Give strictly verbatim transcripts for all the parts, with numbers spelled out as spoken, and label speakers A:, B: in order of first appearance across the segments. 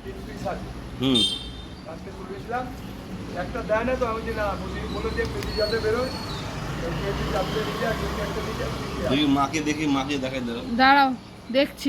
A: হুম
B: আজকে তুলেছিলাম একটা দেয় না তো আমি যে না বলে যে পেটি যাতে বেরোয় পেটি যাতে নিয়ে আর একটা নিয়ে
A: দেখি মাকে দেখি মাকে দেখাই দাও।
C: দাঁড়াও দেখছি।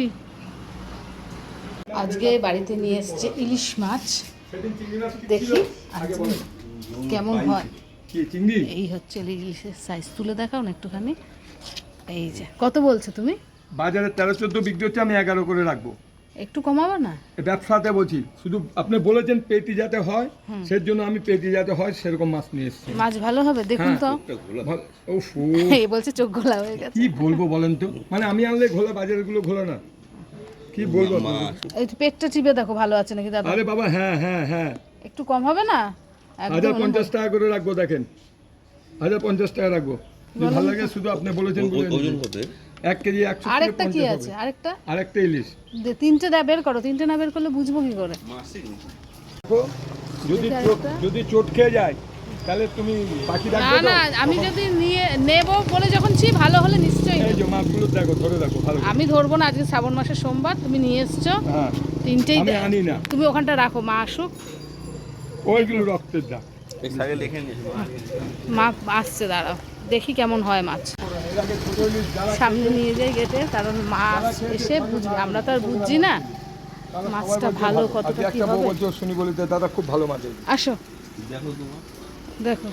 C: আজকে বাড়িতে নিয়ে এসছে ইলিশ মাছ,
B: সেদিন চিংড়ি মাছ
C: দেখি
B: আগে
C: আজকে
B: বলেন
C: কেমন হয়।
B: কি চিংড়ি
C: এই হচ্ছে ইলিশের সাইজ, তুলে দেখাও না একটুখানি। এই যে কত বলছো তুমি?
B: বাজারে তেরো চোদ্দ বিক্রি হচ্ছে, আমি এগারো করে রাখবো।
C: একটু কমাবো না?
B: এ ব্যবসাতে বলছি, শুধু আপনি বলেছেন পেটি যাতে হয়, সেই জন্য আমি পেটি যাতে হয় সেরকম মাছ নিয়ে এসেছি।
C: মাছ ভালো হবে দেখুন তো।
B: ভালো- উফ, ও,
C: এই বলছে চোখ ঘোলা হয়ে গেছে।
B: কি বলবো বলেন তো, মানে আমি আনলে ঘোলা, বাজারের গুলো ঘোলা না, কি বলবো আপনাকে?
C: এই পেটটা চিপে দেখো ভালো আছে নাকি দাদা।
B: আরে বাবা, হ্যাঁ হ্যাঁ হ্যাঁ,
C: একটু কম হবে না?
B: হাজার
C: একদম
B: পঞ্চাশ টাকা করে রাখবো, দেখেন হাজার পঞ্চাশ টাকা রাখবো। যদি ভালো লাগে শুধু আপনি বলেছেন বলে নিন। এক কেজি একশো
C: আরেকটা কি আছে? আরেকটা
B: আরেকটা ইলিশ
C: দে- তিনটে দা বের করো, তিনটে না বের করলে বুঝবো কি করে?
B: দেখো, যদি চোট যদি চোট খেয়ে যায় তাহলে তুমি পাখি
C: না
B: রাখবে তো?
C: না, আমি যদি নিয়ে নেব বলে যখন ছি ভালো হলে নিশ্চয়ই
B: এই
C: নেব।
B: যে মাছগুলো দেখো, ধরে দেখো ভালো করে।
C: আমি ধরবো না, আজকে শ্রাবণ মাসের সোমবার, তুমি নিয়ে এসছো
B: হ্যাঁ,
C: তিনটেই।
B: আমি
C: দে-
B: আনি না,
C: তুমি ওখানটা রাখো, মা আসুক।
B: ওইগুলো রক্তের দাগ।
A: এই সাইডে লিখে নিয়েছি
C: মা আসছে, দাঁড়াও দেখি কেমন হয় মাছ।
B: এর আগে ছোট ইলিশ যারা
C: সামনে নিয়ে যাই গেটে, কারণ মাছ এসে বুঝবে, আমরা তো আর বুঝছি না
B: তারা
C: মাছটা
B: সবাই বলছে
C: ভালো
B: ভালো।
C: কতটা
B: আজকে
C: কি
B: একটা বউ
C: হবে।
B: বলছে, শুনি বলিতে দাদা খুব ভালো মাছ এই।
C: আসো
A: দেখো তোমার
C: দেখো।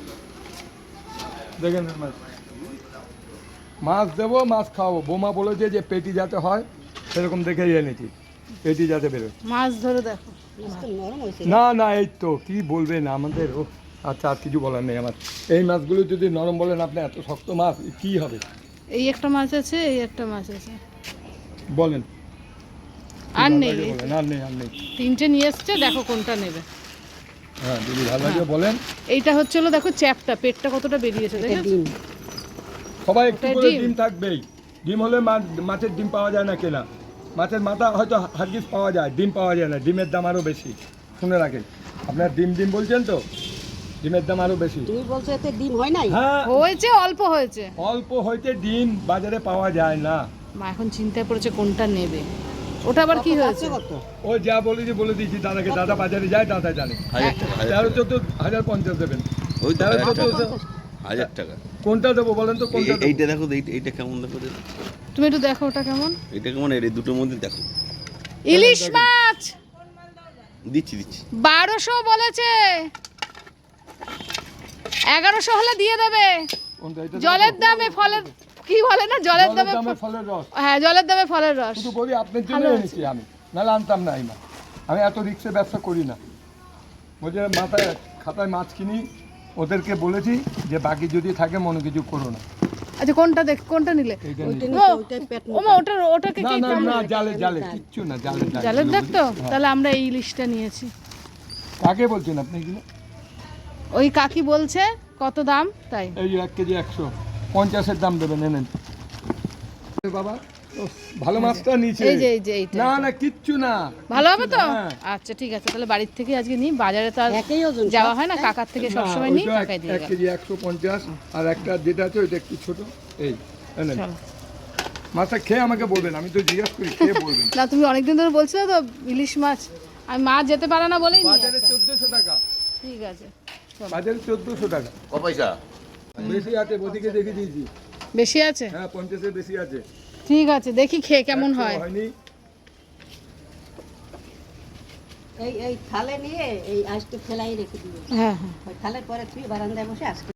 B: দেখেন এই মাছ, মাছ দেবো মাছ খাওয়াবো। বোমা বলেছে যে পেটি যাতে হয় সেরকম দেখেই এনেছি, পেটি যাতে বেরোয়।
C: মাছ ধরে দেখো।
B: না না, এই তো কি বলবেন আমাদের। ও আচ্ছা, আর কিছু বলার নেই আমার। এই মাছগুলো যদি নরম বলেন আপনি, এত শক্ত মাছ কি হবে
C: এই একটা মাছ আছে, এই একটা মাছ আছে,
B: বলেন?
C: আর
B: ভালো
C: নেই।
B: লাগে বলেন, আর নেই, আর নেই।
C: তিনটে নিয়ে এসছে, দেখো কোনটা নেবে।
B: হ্যাঁ, যদি ভালো লাগে বলেন।
C: এইটা হচ্ছে হলো দেখো চ্যাপটা, পেটটা কতটা বেরিয়েছে দেখেছো?
B: সবাই একটু
C: ওটাই
B: করে
C: ডিম।
B: ডিম থাকবেই। ডিম হলে মাছ, মাছের ডিম পাওয়া যায় না কেনা। মাছের মাথা হয়তো হারগিস পাওয়া যায়, ডিম পাওয়া যায় না। ডিমের দাম আরও বেশি, শুনে রাখেন। আপনার ডিম ডিম বলছেন তো, ডিমের দাম আরও বেশি।
D: তুমি বলছো এতে ডিম হয় নাই?
B: হ্যাঁ,
C: হয়েছে, অল্প হয়েছে।
B: অল্প হইতে ডিম বাজারে পাওয়া যায় না।
C: মা এখন চিন্তায় পড়েছে কোনটা নেবে। ওটা আবার কি হয়েছে?
D: কত?
B: ও যা বলেছি বলে দিয়েছি দাদাকে, দাদা বাজারে যায়, দাদা জানে।
A: হাজার টাকা হাজার
B: তেরো
A: টাকা।
B: চোদ্দ হাজার পঞ্চাশ দেবেন।
A: ওই তো
B: তেরো
A: হাজার
B: চোদ্দ
A: টাকা। হাজার টাকা।
B: কোনটা দেবো বলেন তো, কোনটা
A: এই-
B: দেবো?
A: এইটা দেখো তো, এইটা- এইটা কেমন দেখো তো?
C: তুমি একটু দেখো ওটা কেমন।
A: এটা কেমন, এই দুটোর মধ্যে দেখো।
C: ইলিশ মাছ
A: দিচ্ছি দিচ্ছি
C: বারোশো বলেছে, এগারোশো হলে দিয়ে দেবে।
B: কোনটা? এটা
C: জলের
B: দেবো?
C: দামে ফলের, কি বলে না, জলের
B: জলের
C: দামে
B: দামে
C: ফ-
B: ফলের রস।
C: হ্যাঁ, জলের দামে ফলের রস।
B: শুধু বলি আপনার জন্য
C: ভালো আছে।
B: এনেছি আমি, নাহলে আনতাম না এই মাছ। আমি এত রিক্সে ব্যবসা করি না। বলছে মাথায় খাতায় মাছ কিনি, ওদেরকে বলেছি যে বাকি যদি থাকে মনে কিছু করো না।
C: আচ্ছা কোনটা দেখ, কোনটা নিলে?
B: এইটা
D: ওইটা
B: নিয়ে-
C: ও,
D: নিচে ওইটাই পেট
C: ও মা, ওটা ওটাকে
B: না
C: কি
B: না না, জালে জালে কিচ্ছু না, জালে
C: জালের দেখ তো।
B: হ্যাঁ।
C: তাহলে আমরা এই ইলিশটা নিয়েছি।
B: কাকে বলছেন আপনি এগুলো?
C: ওই কাকি বলছে কত দাম তাই।
B: এই যে এক কেজি একশো পঞ্চাশের দাম দেবেন, এনেন। এ বাবা, ও, ভালো মাছটা নিচে।
C: এই যে এই যে এইটা।
B: না না, কিচ্ছু না।
C: ভালো হবে তো?
B: হ্যাঁ।
C: আচ্ছা ঠিক আছে, তাহলে বাড়ির থেকে আজকে নিই, বাজারে তো আর
D: একই ওজন
C: যাওয়া হয় না, কাকার থেকে
B: না,
C: সবসময় নিই,
B: ওইটা এক-
C: কাকাই দিয়ে
B: এক
C: গেল।
B: কেজি একশো পঞ্চাশ, আর একটা যেটা আছে ওইটা একটু ছোট। এই এনেন।
C: চলো।
B: মাছটা খেয়ে আমাকে বলবেন, আমি তো জিজ্ঞাসা করি, খেয়ে বলবেন।
C: না তুমি অনেকদিন ধরে বলছিলে তো ইলিশ মাছ, আমি মাছ যেতে পারে না বলেই নিয়ে
B: বাজারে
C: আসা।
B: চোদ্দশো টাকা,
C: ঠিক আছে চলো।
B: বাজারে চোদ্দশো টাকা।
A: ক পয়সা?
B: বেশি আছে, ওদিকে দেখে দিয়েছি।
C: বেশি আছে?
B: হ্যাঁ, পঞ্চাশের বেশি আছে।
C: ঠিক আছে, দেখি খেয়ে কেমন
B: একশো
C: হয়।
B: হয়নি।
D: এই এই থালে নিয়ে এই আজকে ফেলাই রেখে দিবে।
C: হ্যাঁ হ্যাঁ।
D: ওই থালের পরে তুই বারান্দায় বসে আজকে